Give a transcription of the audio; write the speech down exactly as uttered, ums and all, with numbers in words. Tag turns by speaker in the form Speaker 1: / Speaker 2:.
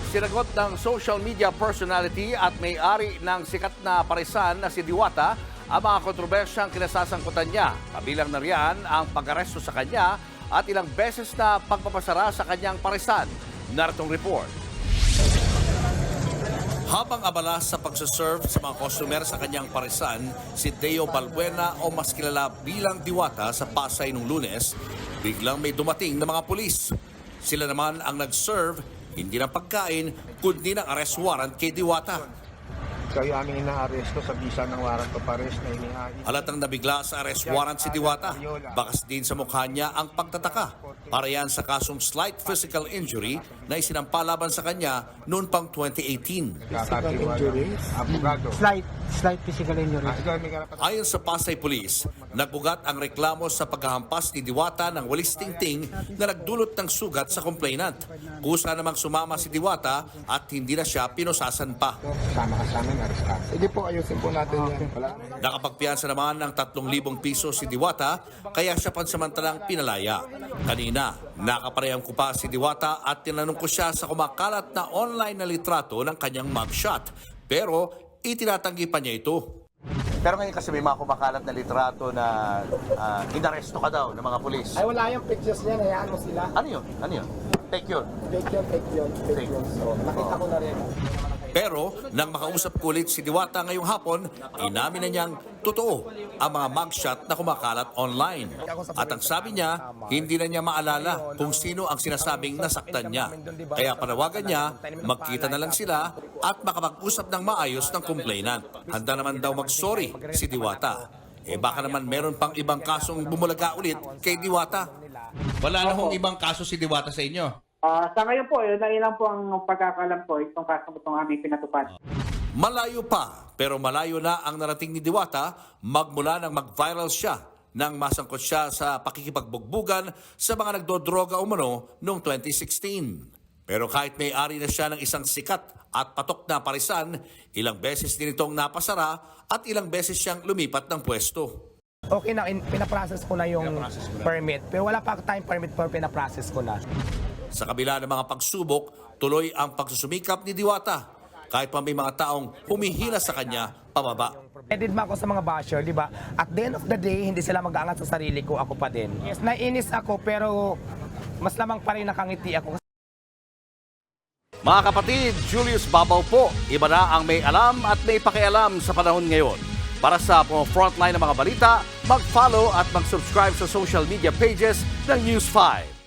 Speaker 1: Sinagot ng social media personality at may-ari ng sikat na parisan na si Diwata ang mga kontrobersyang kinasasangkutan niya. Kabilang na riyan ang pag-aresto sa kanya at ilang beses na pagpapasara sa kanyang parisan. Naritong report. Habang abala sa pagsaserve sa mga customer sa kanyang parisan, si Deo Balbuena o mas kilala bilang Diwata sa Pasay nung Lunes, biglang may dumating na mga pulis. Sila naman ang nag-serve, hindi ng pagkain, kundi ng arrest warrant kay Diwata.
Speaker 2: Kayo aming inaaresto sa bisa ng warrant of arrest na inihain.
Speaker 1: Halatang nabigla sa arrest warrant si Diwata. Bakas din sa mukha niya ang pagtataka. Para yan sa kasong slight physical injury na isinampa laban sa kanya noon pang twenty eighteen.
Speaker 2: Physical injuries? Abogado.
Speaker 3: Slight, slight physical injury.
Speaker 1: Ayon sa Pasay Police, nagbugat ang reklamo sa paghahampas ni Diwata ng walis tingting na nagdulot ng sugat sa complainant. Kusa namang sumama si Diwata at hindi na siya pinusasan pa.
Speaker 2: Sama ka sa amin, arestado. Sige po, ayusin po natin yan. Wala.
Speaker 1: Nakapagpiyansa naman ng tatlong libong piso si Diwata, kaya siya pansamantalang pinalaya. Kanina, nakaparehang ko pa si Diwata at tinanong ko siya sa kumakalat na online na litrato ng kanyang mugshot. Pero itinatanggi pa niya ito.
Speaker 4: Pero ngayon kasi may mga kumakalat na litrato na uh, inaresto ka daw ng mga pulis.
Speaker 3: Ay, wala yung pictures niya, hayaan mo sila.
Speaker 4: Ano yun? Ano yun? Fake yun?
Speaker 3: Fake yun, fake yun, fake yun. So, nakita ko na rin.
Speaker 1: Pero nang makausap ko ulit si Diwata ngayong hapon, inamin na niyang totoo ang mga mugshot na kumakalat online. At ang sabi niya, hindi na niya maalala kung sino ang sinasabing nasaktan niya. Kaya panawagan niya, magkita na lang sila at makapag-usap ng maayos ng complainant. Handa naman daw mag-sorry si Diwata. Eh baka naman meron pang ibang kasong bumulaga ulit kay Diwata. Wala na hong ibang kaso si Diwata sa inyo?
Speaker 5: Ah, sa ngayon po, yun na ilang po ang pagkakalam ko itong kasong itong aming pinatupad.
Speaker 1: Malayo pa, pero malayo na ang narating ni Diwata magmula nang mag-viral siya nang masangkot siya sa pakikipagbugbugan sa mga nagdodroga umano noong twenty sixteen. Pero kahit may-ari na siya ng isang sikat at patok na parisan, ilang beses din itong napasara at ilang beses siyang lumipat ng pwesto.
Speaker 3: Okay na, in, pinaprocess ko na yung permit. Pero wala pa time permit pero pinaprocess ko na.
Speaker 1: Sa kabila ng mga pagsubok, tuloy ang pagsusumikap ni Diwata. Kahit pa may mga taong humihila sa kanya pababa.
Speaker 3: Edit ba ako sa mga basher, di ba? At the end of the day, hindi sila mag-aangat sa sarili ko, ako pa din. Yes, nainis ako pero mas lamang pa rin nakangiti ako.
Speaker 1: Mga kapatid, Julius Babaw po. Iba na ang may alam at may pakialam sa panahon ngayon. Para sa frontline ng mga balita, mag-follow at mag-subscribe sa social media pages ng News five.